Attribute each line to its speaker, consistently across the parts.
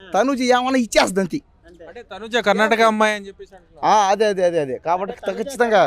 Speaker 1: తనుజ ఏమన్నా ఇచ్చేస్తుంది అంతే.
Speaker 2: అంటే తనుజ కర్ణాటక అమ్మాయి అని చెప్పేసి
Speaker 1: అదే అదే అదే అదే కాబట్టి ఖచ్చితంగా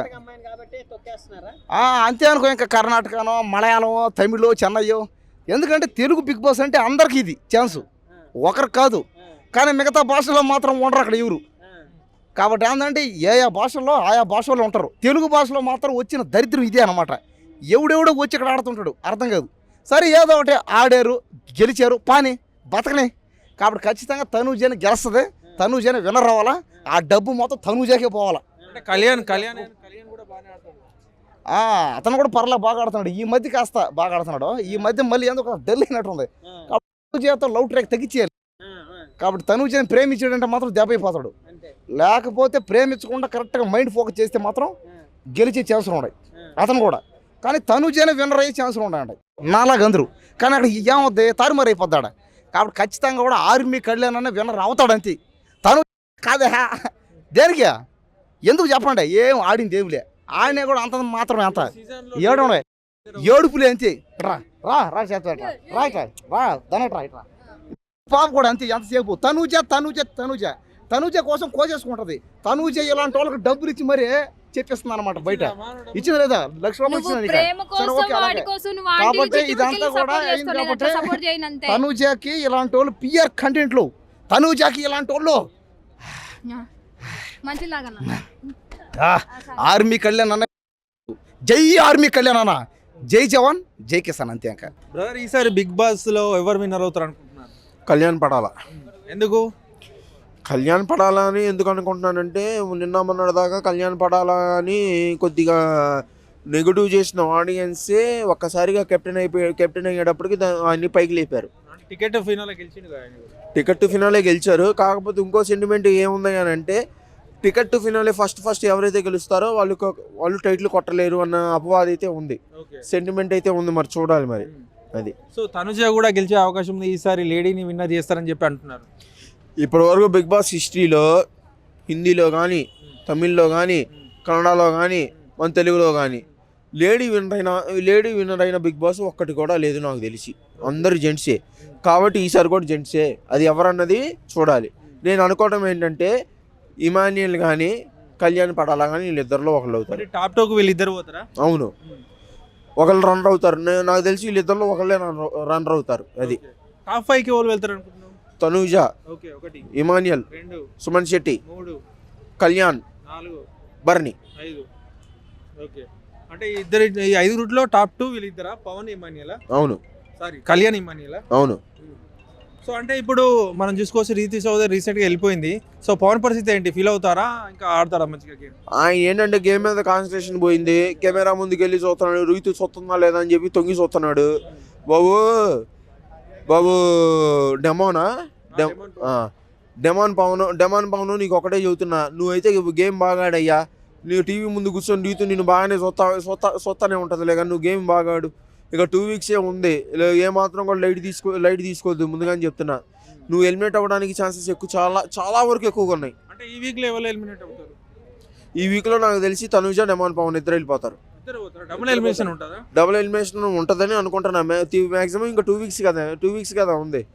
Speaker 1: అంతే అనుకో. ఇంకా కర్ణాటకనో మలయాళమో తమిళో చెన్నయ్యో, ఎందుకంటే తెలుగు బిగ్ బాస్ అంటే అందరికి ఇది ఛాన్సు, ఒకరికి కాదు. కానీ మిగతా భాషలో మాత్రం ఉండరు అక్కడ ఎవరు. కాబట్టి ఏంటంటే ఏ భాషల్లో ఆయా భాషల్లో ఉంటారు. తెలుగు భాషలో మాత్రం వచ్చిన దరిద్రం ఇదే అనమాట. ఎవడెవడో వచ్చి ఇక్కడ ఆడుతుంటాడు, అర్థం కాదు. సరే ఏదో ఒకటి ఆడారు, గెలిచారు, పాని బతకనే. కాబట్టి ఖచ్చితంగా తనూజని గెలుస్తుంది, తనూజని విన్నర్ అవ్వాలా. ఆ డబ్బు మొత్తం తనూజాకే పోవాలా.
Speaker 2: కళ్యాణ్ కూడా బాగానే ఆడుతాడు.
Speaker 1: అతను కూడా పర్లా బాగా ఆడుతున్నాడు. ఈ మధ్య కాస్త బాగా ఆడుతున్నాడు. ఈ మధ్య మళ్ళీ ఎందుకు డల్ అయినట్టుంది. కాబట్టి తనూజతో లవ్ ట్రాక్ తగ్గించేయాలి. కాబట్టి తనూజని ప్రేమించాడంటే మాత్రం దెబ్బ అయిపోతాడు. లేకపోతే ప్రేమించకుండా కరెక్ట్గా మైండ్ ఫోకస్ చేస్తే మాత్రం గెలిచే ఛాన్సులు ఉన్నాయి అతను కూడా. కానీ తనూజని విన్నర్ అయ్యే ఛాన్సులు ఉన్నాయంట నాలాగా అందరూ. కానీ అక్కడ ఏమవుద్ది, తారుమారు అయిపోద్దాడ. కాబట్టి ఖచ్చితంగా కూడా ఆర్మీ కళ్యాణ్ అన్న విన్నర్ అవుతాడు అంతే. తను కాదే దేనికి ఎందుకు చెప్పండి, ఏం ఆడింది ఏమిలే. ఆయన కూడా అంత మాత్రమే, అంత ఏడుపులే అంతే. రా రా రా చేత రా ఇట్రా రా దనట్రా ఇట్రా. పాప కూడా అంతే ఎంతసేపు తనూజ తనూజ తనూజ తనూజ కోసం కోసేసుకుంటది. తనూజ ఇలాంటి వాళ్ళకి డబ్బులు ఇచ్చి మరీ చెప్పేస్తుంది అనమాట. బయట ఇచ్చింది లేదా, ₹1,00,000 ఇచ్చింది. కాబట్టి ఇదంతా కూడా అయింది. కాబట్టి తనూజకి ఇలాంటి వాళ్ళు పిఆర్ కంటెంట్లు, తనూజకి ఇలాంటి వాళ్ళు ఆర్మీ కళ్యాణ్ అన్న, జై ఆర్మీ కళ్యాణ్ అన్న, జై జవాన్ జై కిసాన్ అంతే. ఇంకా
Speaker 2: బ్రదర్ ఈసారి బిగ్ బాస్ లో ఎవరు విన్నర్ అవుతారు అనుకుంటున్నారు?
Speaker 3: కళ్యాణ్ పడాలా.
Speaker 2: ఎందుకు
Speaker 3: కళ్యాణ్ పడాలా అని ఎందుకు అనుకుంటున్నానంటే, నిన్న మొన్నటి దాకా కళ్యాణ్ పడాలా అని కొద్దిగా నెగిటివ్ చేసిన ఆడియన్సే ఒక్కసారిగా కెప్టెన్ అయ్యేటప్పటికి అన్ని పైకి లేపారు. టికెట్ టు ఫినాలే గెలిచారు. కాకపోతే ఇంకో సెంటిమెంట్ ఏముంది అని అంటే, టికెట్ టు ఫినాలే ఫస్ట్ ఎవరైతే గెలుస్తారో వాళ్ళు టైటిల్ కొట్టలేరు అన్న అపవాదం అయితే ఉంది, సెంటిమెంట్ అయితే ఉంది. మరి చూడాలి మరి అది.
Speaker 2: సో తనుజ కూడా గెలిచే అవకాశం ఉంది ఈసారి, లేడీని విన్నర్ చేస్తారని చెప్పి అంటున్నారు.
Speaker 3: ఇప్పటి వరకు బిగ్ బాస్ హిస్టరీలో హిందీలో కానీ, తమిళ్లో కానీ, కన్నడలో కానీ, మన తెలుగులో కానీ లేడీ విన్నర్ అయిన బిగ్ బాస్ ఒక్కటి కూడా లేదు నాకు తెలిసి. అందరు జెంట్సే. కాబట్టి ఈసారి కూడా జెంట్సే. అది ఎవరన్నది చూడాలి. నేను అనుకోవడం ఏంటంటే, ఇమాన్యుయల్ కానీ కళ్యాణ్ పడాలా కానీ వీళ్ళిద్దరిలో ఒకళ్ళు అవుతారు.
Speaker 2: టాప్ 2 వీళ్ళిద్దరు పోతారా?
Speaker 3: అవును, ఒకళ్ళు రన్నర్ అవుతారు. నాకు తెలిసి వీళ్ళిద్దరిలో ఒకళ్ళే రన్నర్ అవుతారు. అది
Speaker 2: టాప్ 5కి ఎవరు వెళ్తారు అనుకుంటున్నాను?
Speaker 3: తనూజ, ఇమాన్యుయల్, సుమన్ శెట్టి, కళ్యాణ్, బర్నీ.
Speaker 2: అంటే ఇద్దరు, ఈ 5 రూట్లో టాప్ 2 వీళ్ళిద్దరా? పవన్ ఇమాన్యుయల్?
Speaker 3: అవును.
Speaker 2: Sorry, Kalyan Emmanuel?
Speaker 3: అవును.
Speaker 2: సో అంటే ఇప్పుడు మనం చూసుకోవచ్చు, రీతి చౌదరి రీసెంట్గా వెళ్ళిపోయింది. సో పవన్ పరిస్థితి ఏంటి? ఫీల్ అవుతారా? ఇంకా ఆడతారా మంచిగా గేమ్?
Speaker 3: ఆయన ఏంటంటే గేమ్ మీద కాన్సన్ట్రేషన్ పోయింది. కెమెరా ముందుకు వెళ్ళి చూస్తున్నాడు, రీతి చూస్తుందా లేదా అని చెప్పి తొంగి చూస్తున్నాడు. బాబు డెమాన్ పవన్ నీకు ఒకటే చెబుతున్నా, నువ్వైతే గేమ్ బాగా ఆడయ్యా. నువ్వు టీవీ ముందు కూర్చొని రీతు నేను బాగానే చూస్తానే ఉంటుంది కానీ నువ్వు గేమ్ బాగా ఆడు. ఇక 2 వీక్సే ఉంది, ఏమాత్రం కూడా లైట్ తీసుకోవద్దు ముందుగానే చెప్తున్నా. నువ్వు ఎలిమినేట్ అవ్వడానికి ఛాన్సెస్ ఎక్కువ, చాలా వరకు ఎక్కువగా ఉన్నాయి.
Speaker 2: అంటే ఈ వీక్లో ఎవరు ఎలిమినేట్ అవుతారు?
Speaker 3: ఈ వీక్లో నాకు తెలిసి తనుజ, డెమాన్ పవన్ ఇద్దరు వెళ్ళిపోతారు.
Speaker 2: డబుల్ ఎలిమినేషన్ ఉంటుందని అనుకుంటున్నా.
Speaker 3: మ్యాక్సిమం ఇంకా 2 వీక్స్ కదా ఉంది.